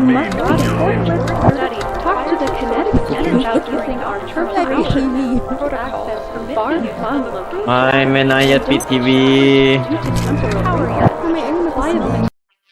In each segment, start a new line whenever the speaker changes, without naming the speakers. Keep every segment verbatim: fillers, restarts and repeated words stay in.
must not enforce study. Talk to the kinetic center about using our termination protocol. Bar Muslim.
ไม่ไม่นายอย่าปิดทีวี
Power yet.
ทำไมไอ้นี่มันกระสุน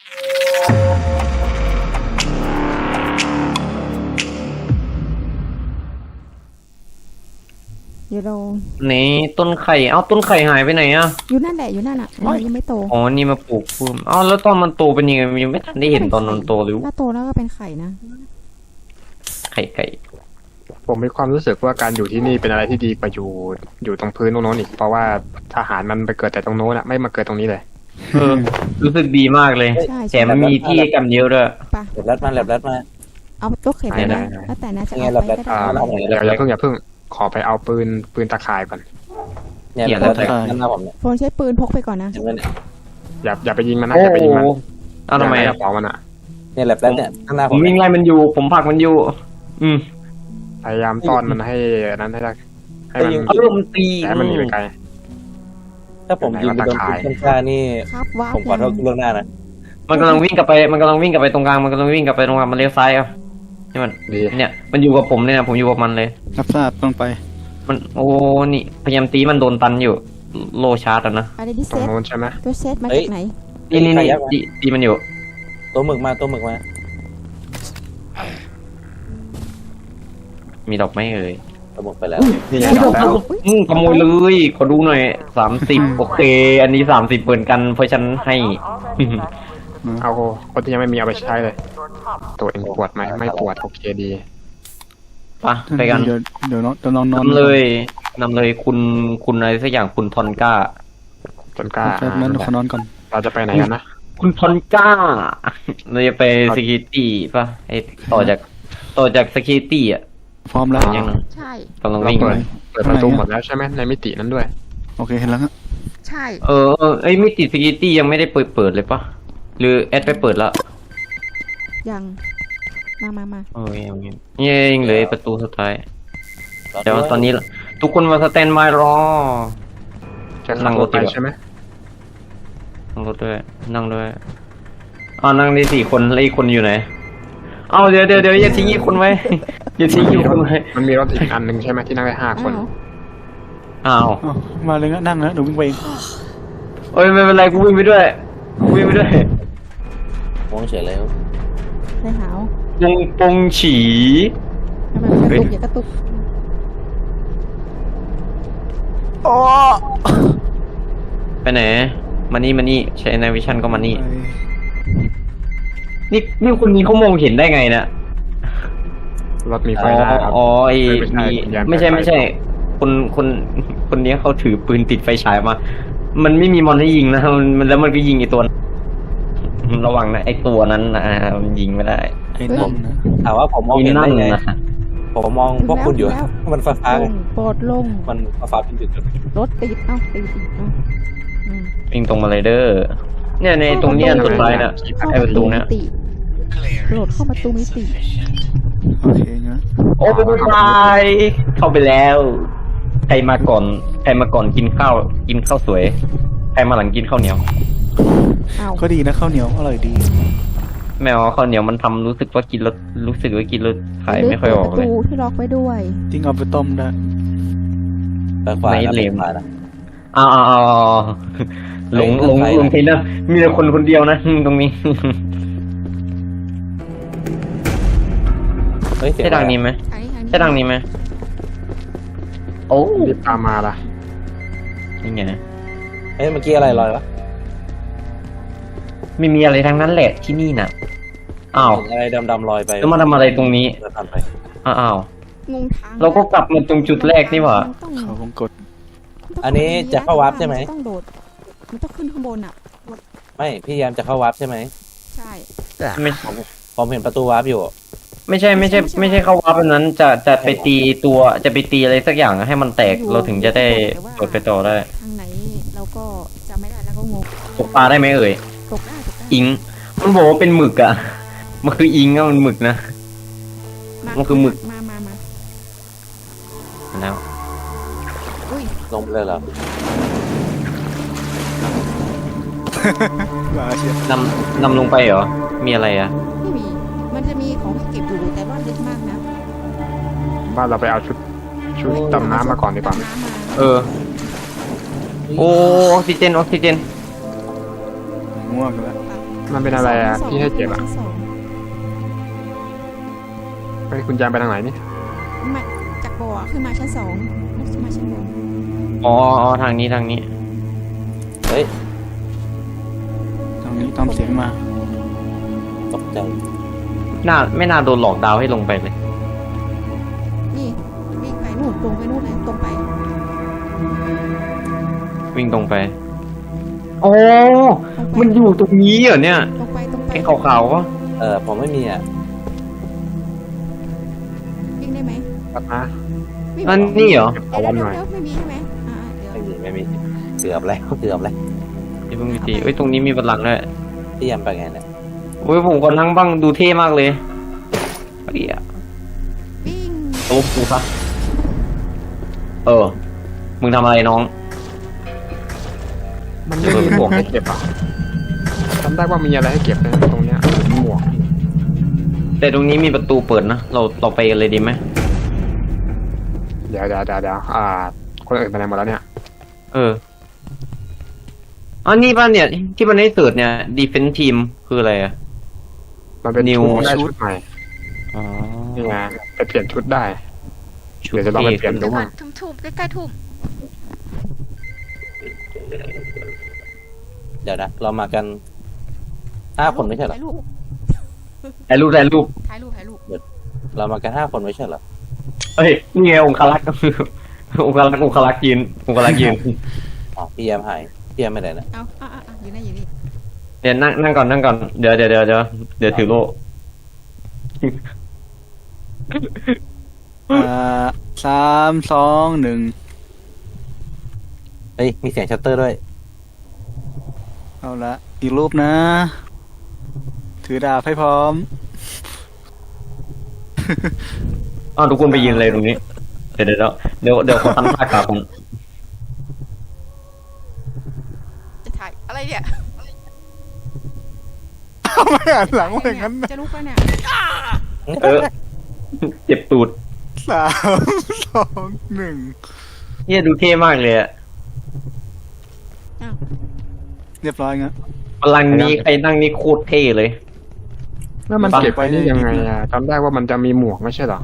เดี๋ยวเรา
นี่ต้นไข่เอ้าต้นไข่หายไปไหนอ่ะ
อยู่นั่นแหละอยู่นั่นอ่ะมันยังไม่โต
อ๋อนี่มาปลูกเพิ่มเอ้าแล้วตอนมันโตเป็นยังไงยังไม่ทันได้เห็นตอนมันโตหรือ
ถ้าโตแล้วก็เป็นไข่นะ
ไข่ไก่
ผมมีความรู้สึกว่าการอยู่ที่นี่เป็นอะไรที่ดีกว่าอยู่อยู่ตรงพื้นตรงโน้นอีกเพราะว่าทหารมันไปเกิดแต่ตรงโน้นอะไม่มาเกิดตรงนี้เลย
เออรู้สึกดีมากเลย
ใช่
แถมมีที่กันเยอะด้วย
ปะ
แลบรัดมาแลบรัดมา
เอาตัวเข็นไป
ได้
นะ
ได้
แล้วแต่นะจะ
ยังไง
เอาไป
แบบ
ก็
อ่า
ได้
เดี๋ยวอย่าเพิ่งอย่าเพิ่งขอไปเอาปืนปืนตะข่ายก่อน
เนี่ยแลบรัดด้านหน้าผมเนี่ย
โฟนใช้ปืนพกไปก่อนนะ
เห็นไหมเนี่ย
อย่าอย่าไปยิงมันนะ
โอ้
อย่าไป
โห
ยิงมัน
เอ้าทำไม
อย่
อะ
กระเป๋ามันอะ
เนี่ยแลบรัดเนี่ยด้านหน้า
ผ
ผม ม
วิ่งไล่มันอยู่ ผมผลักมันอยู่ อืม
พยายามต้อนมันให้นั้นให้ได้ให้มัน
เออมันตี
ให้มันหนีไปไกล
ถ้าผมยิงไปโดนปืนข้างๆนี่
ครับว้าว
ผมขอโทษล่วงหน้านะ
มันกำลังวิ่งกลับไปมันกำลังวิ่งกลับไปตรงกลางมันกำลังวิ่งกลับไปตรงกลางมันเลี้ยวซ้ายอ่ะนี่มัน
ดี
เนี่ยมันอยู่กับผมเนี่ยนะผมอยู่กับมันเลย
รับทราบต้องไป
มันโอ้นี่พยายามตีมันโดนตันอยู่โลชาร์จอะนะ
อะไรดิ
ต
เซ
รง
ต
โน้นใช่ไหม
ตัวเซตมาจากไหน
นี่นี่นี่ตีตีมันอยู่
ตัวหมึกมาตัวหมึกมา
มีดอกไม้เอ่ย
ตัวหมึกไปแล้ว
นี่ไงจับแล้ว
อืมขโมยเลยขอดูหน่อยสามสิบโอเค อันนี้สามสิบเปิดกันเพราะฉันให้
เอาคนที่ยังไม่มีเอาไปใช้เลย ตัวเองปวดไหมไม่ปวดโอเคดี
ปะไปกัน
เดี๋ยวเดี๋ยวน้องเดี๋ยวน้องนอน
นำเลยนำเลยคุณคุณอะไรสักอย่างคุณทอนก้า
จนกล้า
แป๊บนั้นเดี๋ยวขอนอนก่อน
เราจะไปไหนกันนะ
คุณทอนก้าเราจะไปสกิตี้ป่ะไอต่อจากต่อจากสกิตี้อ่ะ
พร้อมแล้ว
ยัง
ใช่
กำลัง
เรา
วิ่ง
เปิด
เลย
เปิดประตูหมดแล้วใช่ไหมในมิตินั้นด้วย
โอเคเห็นแล้วฮะ
ใช่
เออเออไอยมิติสกิตี้ยังไม่ได้เปิดเปิดเลยป่ะหรือแอดไปเปิดแล้ว
ยังมามามา
เออยังยังยังเหลือประตูสุดท้ายเดี๋ยวตอนนี้ทุกคนมาสแตนบายรอ
จะขับรถไปใช่ไหม
นั่งรถด้วยนั่งด้วยอ๋อนั่งได้สี่คนแล้วอีกคนอยู่ไหนเอาเดี๋ยวเดี๋ยวเดี๋ยวอย่าทิ้งอีกคนไว้อย่าทิ้งอีกคนไว้
มันมีรถอีกอันหนึ่งใช่ไหมที่นั่งได้ห้าคน
อ้าว
อ้าว
อ้าวมาเลยนะนั่งนะเดี๋ยววิ่งไปเอง
เอ้ยไม่เป็นไรกูวิ่งไปด้วยกูวิ่งไปด้วย
มองเฉยแล้ว
ได้หาว
ปงปงฉี
ทำไมมันกระตุกอย่ากระตุก
ไปไหนมานี่มานี่ใช้ในวิชั่นก็มานี่นี่นี่คนนี้เขามองเห็นได้ไงเนี่ย
รถมีไฟ
อ๋อ
หน้าครับ
อ๋อไอ้
ไม่
มี
ใช่
ไม่ใช่
ยานไฟ
ไม่ใช่ คนคนคนนี้เขาถือปืนติดไฟฉายมา มันไม่มีมอนให้ยิงนะมันมันแล้วมันก็ยิงไอ้ตัวนั้นระวังนะไอ้ตัวนั้นนะมันยิงไม่ได้
ไอ้นั่นนะ
ถามว่าผมมอง
ไอ้
เห็น
นั่
ได้
น
ไง
นะ
ผมมองพวกคุณอยู่มันฟ้าฟ้า
ลงโปรดลง
มันฟ้าฟ้าเป็นจุด
รถติดเอ้าติดอีกเอ้าอืม
วิ่งตรงมาเลยเด้อเนี่ยในตรงเนี้ยสุดท้ายน่ะ
เข้า
ไอ้ประตูเนี้ย
มิติโหลดเข้าประตูมิติ
โอเคงั้น
โอ้ไปตายเข้าไปแล้วใครมาก่อนใครมาก่อนกินข้าวกินข้าวสวยใครมาหลังกินข้าวเหนียว
อ้าว
ก็ดีนะข้าวเหนียวอร่อยดี
แมวข้าวเหนียวมันทำรู้สึกว่ากินแล้วรู้สึกว่ากินแล้วขายไม่ค่อยออกเลย
ประตูที่ล็อกไว้ด้วย
จริงเอาไปต้มได้
ไปขวา
ไม่
แล้ว
เล
ไป
ม
ขวานะ
อ้าวอ้าวอ้าวหลงหลงหลงทีนะมีแต่คนคนเดียวนะตรงนี้
เฮ้ยเสีย
ใช่ทางนี้ไหม
อันนี้ทางนี้
ใช่ทางนี้ไหมโอ้
รีบตามมาล่ะ
ยังไง
เฮ้ยเมื่อกี้อะไรลอยวะ
ไม่มีอะไรทั้งนั้นแหละที่นี่น่ะอ้าว
อะไรดำๆลอยไป
แล้วมาทำอะไรตรงนี้
จะทำไป
อ้าว
งงทาง
เราก็กลับมาตรงจุดแรกนี่หว่า
มันต้อง
เขาวงกด
มัต้ง
อันนี้จะเข้าวับใช่ไหม
นต้องโดดมันต้องขึ้นข้างบนอ่ะ
ไม่พี่ยามจะเข้าวับใช่ไหม
ใช่
ไม่
ผมเห็นประตูวับอยู่
ไม่ใช่ไม่ใช่ ไม่ใช่เข้าวับแบบนั้นจะจะไปตีตัวจะไปตีอะไรสักอย่างให้มันแตกเราถึงจะได้กดไปต่อได้
ทางไหนเราก็จำไม่ได้แล้วก็งง
ตกปลาได้ไหมเอ่ย
ตกได้ตกได้
อิงมันบอกว่าเป็นหมึกอ่ะมันคืออิงอะมันหมึกนะ มันคือหมึก
มามามา
แล้ว
อุ้ย
ลงไปเลยเหรอ
มาเชีย
นำนำลงไปเหรอมีอะไรอ่ะ
ไม่มีมันจะมีของเก็บอยู่แต่ว่าลึกมากนะ
ว่าเราไปเอาชุดชุดดำน้ำมาก่อนดีกว่า
ดำน้ำมา
เออ โอ้ออกซิเจนออกซิเจน
ง่วงแล้ว
มันเป็นอะไรอ่ะที่ให้เก็บอ่ะ
ชั้นสอง
ไปคุณยามไปทางไหนนี่
มาจากบ่อขึ้นมาชั้นสองขึ้นมาชั้นบน
อ๋ออ๋อทางนี้ทางนี้
เฮ้ย
ตรงนี้ตามเสียงมา
ตกใจ
น่าไม่น่าโดนหลอกดาวน์ให้ลงไปเลย
นี่วิ่งไปนู่นตรงไปนู่นเลยตรงไป
วิ่งตรงไปโอ้
ตรงไป
มันอยู่ตรงนี้เหรอเนี่ย
ตรงไปตรงไป
ไอ้ขาวๆก็
เออผมไม่มีอ่ะ
วิ่งได้ไหม
ตัดนะ
วิ่ง
อันนี้เหรอ
เดี๋ยว
เอาวันหน่อย
เดี๋ยวไม่มีใช่ไหมอ่าเดี๋ยว
ไม่มีไม่มีเกือบแล้วเกือบแล้ว
เดี๋ยวเพิ่งมีตีเอ้ยตรงนี้มีบัลลังก์ด้วย
พี่ยามไปไงเนี่ย
โอ้ยผมกำลังบ้างดูเท่มากเลยเฮีย
วิ่ง
โต๊ะกูซะเออ มึงทำอะไรน้อง
มันไม่มีหมวกให้เก็บอ่ะจำได้ว่ามีอะไรให้เก็บนะตรงเนี้ยหมวก
แต่ตรงนี้มีประตูเปิดนะ เราเราไปกันเลยดีไหม
เดี๋ยวเดี๋ยวเดี๋ยวเดี๋ยวอ่า คนอื่นไปไหนหมดแล้วเนี่ย
เอออันนี้ป่ะเนี่ย ที่มันให้เสิร์ชเนี่ย defense team คืออะไรอ่ะ
มันเป็น
New
ชุดได้ชุดใหม่
อ๋อ
นี่ไงไปเปลี่ยนชุดได้
ชุ
เดี๋ยวจะลองไปเปลี่ยนดู
เดี๋ยวก่อ
ว่าน
ทุ่มๆใกล้ๆทุ่ม
เดี๋ยวนะเรามากันห้าคนไม่ใช่เหรอ
ถ่ายรูป
ถ่ายรูปถ่ายรูป
ถ่ายรูปถ่ายรูป
เรามากันห้าคนไม่ใช่เหรอ
เอ้ย นี่ไงองคลักษ์ องคลักษ์องคลักษ์ยืนองคลักษ์ยืน
อ๋อพี่ยามหายพี่ยามไม่ได้นะ
เอาอ่ะอ่ะอ่ะอยู่นี่อยู่นี่
เดี๋ยวนั่งนั่งก่อนนั่งก่อน เดี๋ยวเดี๋ยวเดี๋ยวเดี๋ยวเดี๋ยวถือโล่
อ่าสามสองหนึ่ง
เฮ้ยมีเสียงชัตเตอร์ด้วย
เอาละอีกรูปนะ ถือดาบให้พร้อม
อ้าวทุกคนไปยืนเลยตรงนี้ เดี๋ยวเดี๋ยวเดี๋ยวเดี๋ยวขอทำท่ากราบก่อน
จะถ่ายอะไรเนี่ย
ไม่อ่านหลังว่าอย่างนั้นนะ
จะลุกไปเนี่ย
เออ เจ็บตูด
สามสองหนึ่ง
เนี่ยดูเท่มากเลยอะ
เรียบร้อยงั้น
พลังนี้ใครนั่งนี่โคตรเท่เลย
แล้วมันเก็บไว้นี่ยังไงอ่ะจำได้ว่ามันจะมีหมวกไม่ใช่เหรอ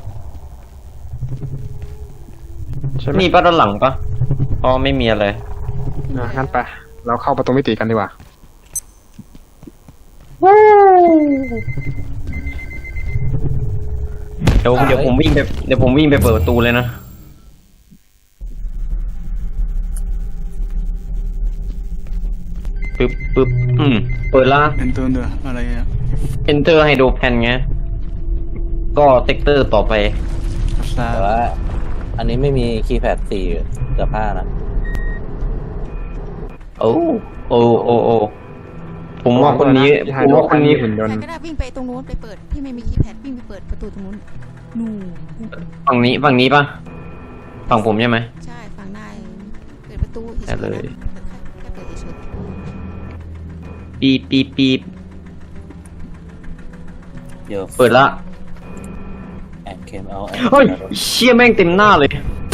ใช่ไหม
มีป้าด้านหลังปะอ๋อไม่มีอะไร
อ่ะงั้นไปเราเข้าประตูมิติกันดีกว่า
เดี๋ยวเดี๋ยวผมวิ่งไปเดี๋ยวผมวิ่งไปเปิดประตูเลยนะ ปึ๊บปึ๊บอืม เปิดละ
เป็นตัวเนื้ออะไรเนี่ย
enter hydro pan ไง ก็เซกเตอร์ต่อไป
สา
แต่
ม
ว่า อันนี้ไม่มีคีย์แพดสี่เสื้อผ้านะ
โอ้โอ้โอ้โอ้ผมว่าคนนี้
ที่ไฮ
ผม
โดร
ว่าคนนี้
หุ่นยน
ใคร
ต์
ก็ได้วิ่งไปตรงนู้นไปเปิดพี่ไม่มีคีย์แพดวิ่งไปเปิดประตูตรงนู้นนู่น
ฝั่งนี้ฝั่งนี้ปะฝั่งผมใช่ไหม
ใช่ฝั่งในเปิดประตูเฉยๆ
ได้เลย
นะแค่เปิดเฉย
ปีบปีบปีบ
เดี๋ยว
เปิดละ
แอนเคมเอา
เฮ้ยเชี่ยแม่งเต็มหน้าเลย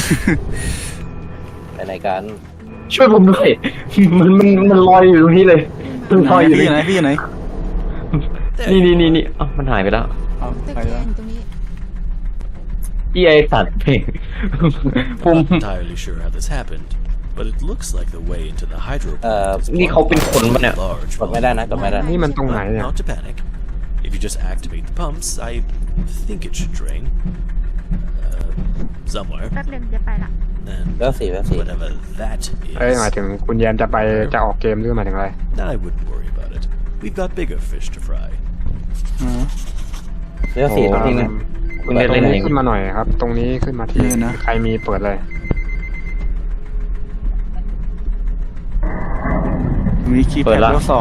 ไปไหนกัน
ช่วยผมด้วย มันมันมันลอยอยู่ตรงนี้เลย
ๆ
มัน
ไห
ลอยอยู่
พี่
เล
อยู่ไหน
ย
พี่อยู่ไหน
นี่นี่นี่นี่อ้าวมันหายไปแล้ว
เอา
ตึก
ไป
แด
แล้ว
งตรงนี้
พี่ไอสัตว์เพลง ผม
Not entirely sure how this happened, but it looks like the way into the hydro
Uh,
plant is
นี่เขาเป็นคนปะเนี่ย
large.
กดไม่ได้นะกดไม่ได้
นี่มันตรงไหน
But
เนี่ย
not to panic. If you just activate the pumps, I think it should drain. Uh, somewhere.
แป๊บนึงจะไปละ
And
แล้วสี่แล้วสี่
whatever that
เอ้ยหมาย
is,
ถึงคุณแยมจะไปจะออกเกมหรือหมายถึงอะไร
I wouldn't worry about it. We've got bigger fish to fry.
อ๋อ
แล้วสี่
โอ้
ตรงนี้นะ
คุณได้
ตร
เล่น
ง
อะไร
นี้ขึ้นมาหน่อยครับ ตรงนี้ขึ้นมาที่
นี่นะ
ใครมีเปิดเลย
มีคีย์แพ
เปิ
ด
ดละ
แล้วสอง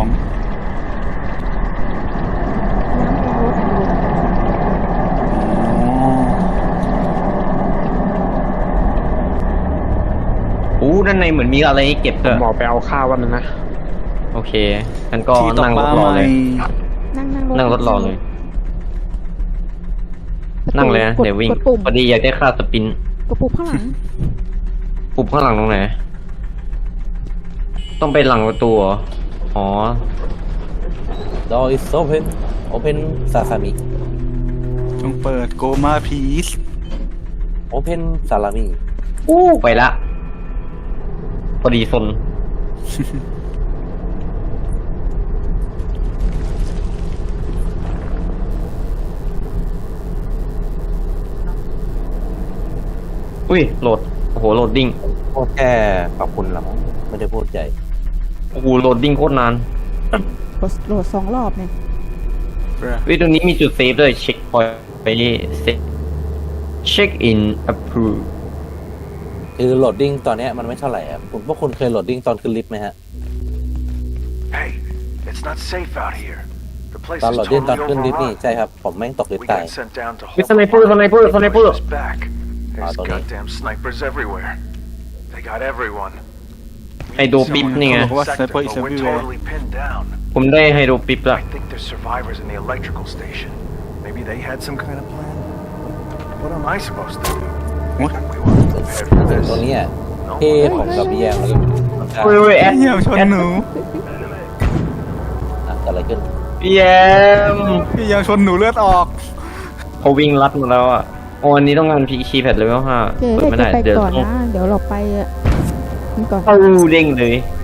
อู้ด้านในเหมือนมีอะไรให้เก็บ
ผ
ด้ว
ม
ย
บอกไปเอาข้าววันนึงนะ
โอเคงั้นก็
ที่ตก
นั่ง
ป
ร
ลา
ถรอ
ให
เล
ม่
ย
นั่งนั่งรถ
นั่งรถรอเลยนั่งเลยนะ
กด
เดี๋ยววิ่ง
กดปุ่ม
พอดีอยากได้ค่าสปิน
กดปุ่มข้างหลัง
ปุ่มข้างหลังตรงไหน ต้องไปหลังประตูเหรออ๋อ
door is open open ซาซามิ
จงเปิดโกมาพีซ
open ซาลามิ
อู้ไปละ พอดีซน อุ้ยโหลด โอ้โหโหลดดิ้ง
พูดแค่ขอบคุณละมั้งไม่ได้พูดใหญ่
โอ้โหโหลดดิ้งโคตรนาน
กดโหลดสองรอบเนี่ย
วิตรงนี้มีจุดเซฟด้วยเช็คพอยต์ไปนี่เซ็ตเช็คอินอัพพู
คือโหลดดิ้งตอนเนี้ยมันไม่เท่าไหร่ครับคุณพวกคุณเคยโหลดดิ้งตอนขึ้นลิฟต์ไหมฮะ
Hey, it's not safe out here. The place
ตอน
is
โหลดดิ้งตอน
totally
ขึ้นลิฟต์นี่
overrun.
ใช่ครับผมแม่งตกลิฟ
We
ต์ตาย
got sent down to
วิ
hold
สไนเปอร์สไนเปอร์สไนเปอร์
us back. There's
don't know.
goddamn snipers everywhere. They got everyone. We
ไฮโดรปิปนี่ไง
บอกว่า
sector,
sniper is
but we're
everywhere.
totally pinned down.
ผมได้ไฮโดรปิปละ
I think there's survivors in the electrical station. Maybe they had some kind of plan. What am I supposed to do?
What?
We weren't prepared for
ตรง
this.
เนี้ย
No
ที่
one
ผมกับพี่แยมแล้วก็มันจะ
เฮ้ยเฮ้ยแอด
เยี่ยมชนหนู
อ่ะเกิดอะไรขึ้น
พี่แยม
พี่ยังชนหนูเลือดออก
เขาวิ่งลัดมาแล้วอ่ะโอ้อันนี้ต้องการพีคีแพดเลเวลห้า
เจ๊
เปิด
ให้
ไม่
แก
ได้
ไป
เดี๋ยว
ก่อน
ต้อง
นะ เดี๋ยวเราไปอ่ะนี่ก่อน
เข้าเด้งเลย